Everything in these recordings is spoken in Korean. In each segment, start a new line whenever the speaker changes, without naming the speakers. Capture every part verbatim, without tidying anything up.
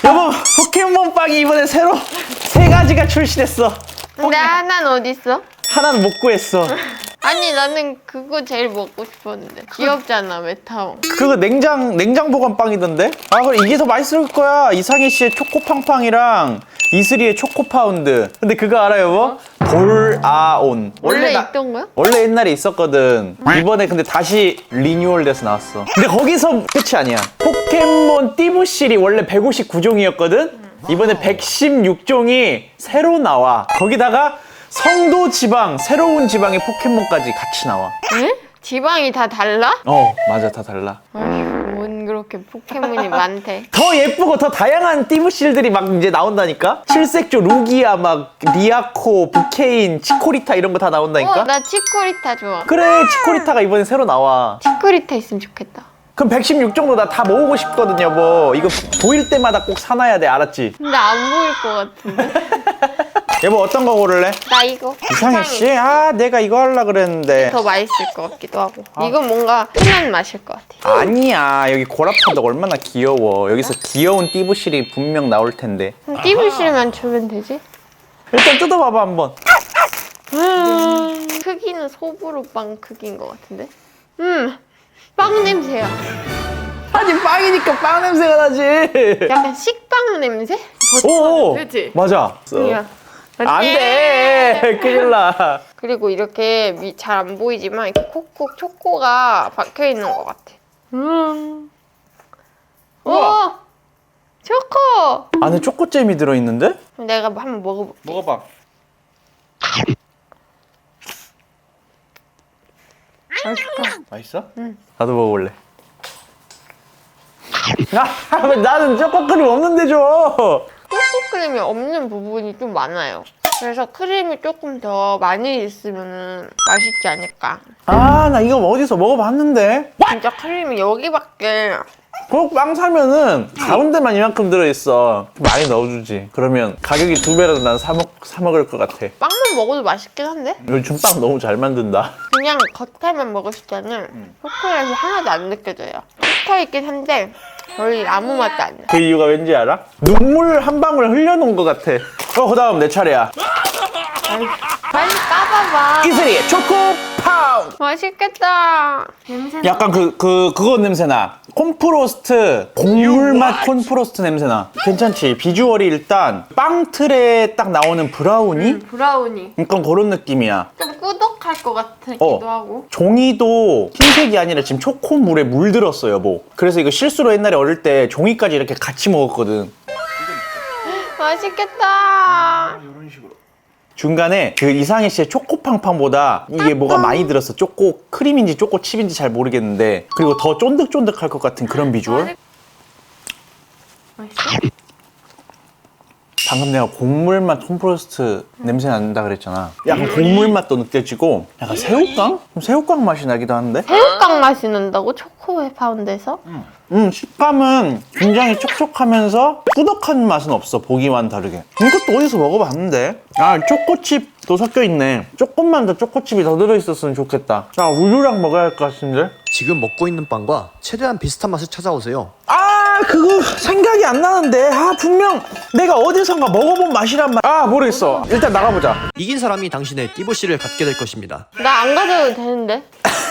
여보, 포켓몬빵이 이번에 새로 세 가지가 출시됐어.
근데 하나는 어디 있어?
하나는 못 구했어.
아니 나는 그거 제일 먹고 싶었는데 귀엽잖아 메타몽.
그거 냉장 냉장 보관 빵이던데? 아 그래 이게 더 맛있을 거야. 이상희 씨의 초코팡팡이랑 이슬이의 초코파운드. 근데 그거 알아요, 여보? 돌아온.
원래
나-
있던 거야?
원래 옛날에 있었거든. 이번에 근데 다시 리뉴얼돼서 나왔어. 근데 거기서 끝이 아니야. 포켓몬 띠부실이 원래 백오십구 종이었거든? 이번에 백십육 종이 새로 나와. 거기다가 성도 지방, 새로운 지방의 포켓몬까지 같이 나와.
응? 지방이 다 달라?
어, 맞아. 다 달라.
아휴 뭔 그렇게 포켓몬이 많대.
더 예쁘고 더 다양한 띠부실들이 막 이제 나온다니까? 칠색조, 루기아, 막 리아코, 부케인, 치코리타 이런 거 다 나온다니까?
어, 나 치코리타 좋아.
그래, 치코리타가 이번에 새로 나와.
치코리타 있으면 좋겠다.
그럼 백십육 종도 나 다 모으고 싶거든, 여보. 이거 보일 때마다 꼭 사놔야 돼, 알았지?
근데 안 보일 것 같은데.
여보, 어떤 거 고를래?
나 이거.
이상해 씨? 아, 내가 이거 하려 그랬는데.
더 맛있을 것 같기도 하고. 이건 뭔가 흔한 맛일 것 같아.
아니야, 여기 고라파도 얼마나 귀여워. 여기서 귀여운 띠부실이 분명 나올 텐데.
그럼 띠부실만 주면 되지?
일단 뜯어봐봐, 한번.
음, 크기는 소보루빵 크기인 것 같은데? 음, 빵 냄새야.
아니, 빵이니까 빵 냄새가 나지.
약간 식빵 냄새?
오,
그치?
맞아.
야.
안 돼. 큰일 나.
그리고 이렇게 잘 안 보이지만 이렇게 콕콕 초코가 박혀 있는 것 같아. 음. 오,
우와.
초코.
안에 초코잼이 들어있는데?
내가 한번 먹어볼게.
먹어봐.
맛있다.
맛있어?
응.
나도 먹어볼래. 아, 왜 나는 초코크림 없는데 줘.
초코 크림이 없는 부분이 좀 많아요. 그래서 크림이 조금 더 많이 있으면 맛있지 않을까.
아, 나 이거 어디서 먹어봤는데?
진짜 크림이 여기밖에.
꼭 빵 사면은 가운데만 이만큼 들어있어. 좀 많이 넣어주지. 그러면 가격이 두 배라도 난 사 먹, 사 먹을 것 같아.
빵만 먹어도 맛있긴 한데?
요즘 빵 너무 잘 만든다.
그냥 겉에만 먹었을 때는 초콜릿이 하나도 안 느껴져요. 붙어있긴 한데 거의 아무 맛도 안 나.
그 이유가 왠지 알아? 눈물 한 방울 흘려놓은 것 같아. 어, 그 다음 내 차례야.
빨리 까봐봐.
이슬이 초코 파운드.
맛있겠다. 냄새.
약간 그, 그, 그거 냄새나. 콘프로스트, 곡물맛 콘프로스트 냄새나. 괜찮지? 비주얼이 일단 빵 틀에 딱 나오는 브라우니?
브라우니.
약간 그런 느낌이야.
좀 꾸덕할 것 같기도
어.
하고.
종이도 흰색이 아니라 지금 초코물에 물들었어, 여보. 그래서 이거 실수로 옛날에 어릴 때 종이까지 이렇게 같이 먹었거든.
맛있겠다.
이런 식으로. 중간에 그 이상희 씨의 초코팡팡보다 이게 뭐가 많이 들었어. 초코 크림인지 초코 칩인지 잘 모르겠는데. 그리고 더 쫀득쫀득할 것 같은 그런 비주얼.
맛있어?
방금 내가 곡물맛 콘프로스트 냄새 난다 그랬잖아. 약간 곡물맛도 느껴지고 약간 새우깡? 좀 새우깡 맛이 나기도 하는데?
새우깡 맛이 난다고? 초코에 파운드에서?
음, 식감은 굉장히 촉촉하면서 꾸덕한 맛은 없어. 보기와는 다르게. 이것도 어디서 먹어봤는데? 아, 초코칩도 섞여있네. 조금만 더 초코칩이 더 들어있었으면 좋겠다. 아, 우유랑 먹어야 할 것 같은데?
지금 먹고 있는 빵과 최대한 비슷한 맛을 찾아오세요.
아, 그거 생각이 안 나는데. 아, 분명 내가 어디선가 먹어본 맛이란 말. 아, 모르겠어. 일단 나가보자.
이긴 사람이 당신의 띠부씨를 갖게 될 것입니다.
나 안 가져도 되는데?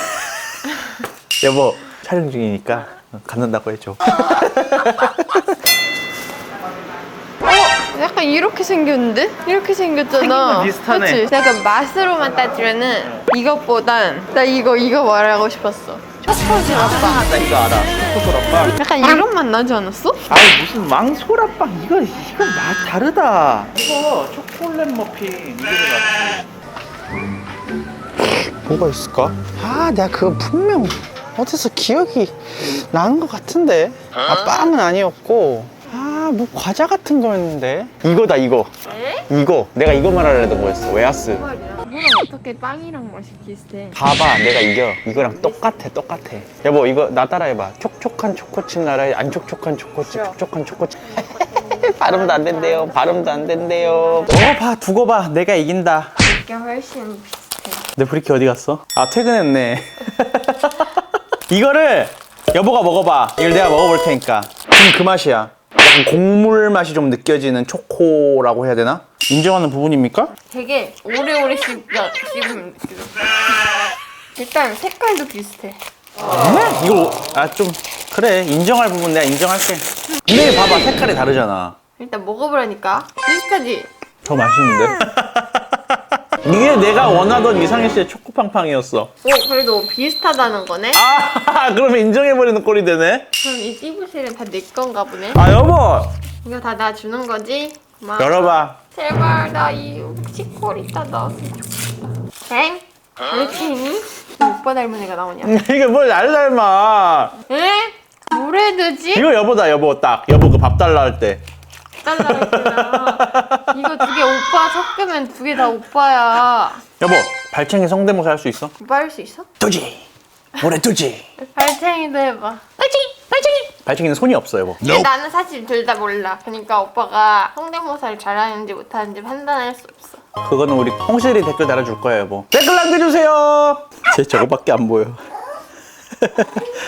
여보, 촬영 중이니까 갖는다고 해줘.
어? 약간 이렇게 생겼는데? 이렇게 생겼잖아.
생긴 건 비슷하네.
그치? 약간 맛으로만 따지면은 이것보단 나 이거 이거 말하고 싶었어. 초코시럽빵.
나 이거 알아. 초코소라빵.
약간 이런 맛 나지 않았어?
아이, 무슨 왕소라빵. 이거, 이거 맛 다르다. 이거 초콜릿 머핀. 이게 더 뭐가 있을까? 아, 내가 그거 분명 어디서 기억이 나는 것 같은데. 아, 빵은 아니었고. 아, 뭐 과자 같은 거였는데. 이거다, 이거.
에?
이거. 내가 이거 말하려던 거였어. 웨하스.
뭐랑 어떻게 빵이랑 맛이 비슷해?
봐봐, 내가 이겨. 이거랑 똑같아, 똑같아. 여보, 이거 나 따라해봐. 촉촉한 초코칩 나라에 안 촉촉한 초코칩, 촉촉한 초코칩. 발음도 안 된대요. 발음도 안 된대요. 먹어봐, 두고 봐. 내가 이긴다.
이게 훨씬 비슷해.
내 브리키 어디 갔어? 아, 퇴근했네. 이거를 여보가 먹어봐. 이걸 내가 먹어볼 테니까. 지금 그 맛이야. 약간 약간 곡물 맛이 좀 느껴지는 초코라고 해야 되나? 인정하는 부분입니까?
되게 오래오래 씹, 씹으면 느껴져. 일단 색깔도 비슷해.
네? 이거 아 좀 그래 인정할 부분 내가 인정할게. 근데 봐봐 색깔이 다르잖아.
일단 먹어보라니까. 비슷하지?
더 맛있는데? 이게 내가 원하던 이상희 씨의 초코팡팡이었어.
오, 그래도 비슷하다는 거네?
아 그러면 인정해버리는 꼴이 되네.
그럼 이 띠부실은 다 내 건가 보네?
아 여보
이거 다 나 주는 거지? 고마워.
열어봐.
제발 나 이 치콜이다 나왔으면 좋겠다. 엥? 왜 이렇게 있니? 오빠 닮은 애가 나오냐?
이게 뭘 날 닮아.
에? 뭘 해두지?
이거 여보다 여보 딱 여보 그 밥 달라 할 때.
달라 했구나. 이거 두 개 오빠 섞으면 두 개 다 오빠야.
여보 발챙이 성대모사 할 수 있어?
오빠 할 수 있어?
두지 올해 두지.
발챙이도 해봐. 발챙이! 발챙이!
발챙이는 손이 없어 여보.
근데 나는 사실 둘 다 몰라. 그러니까 오빠가 성대모사를 잘하는지 못하는지 판단할 수 없어.
그거는 우리 홍실이 댓글 달아줄 거야 여보. 댓글 남겨주세요. 제 저거밖에 안 보여.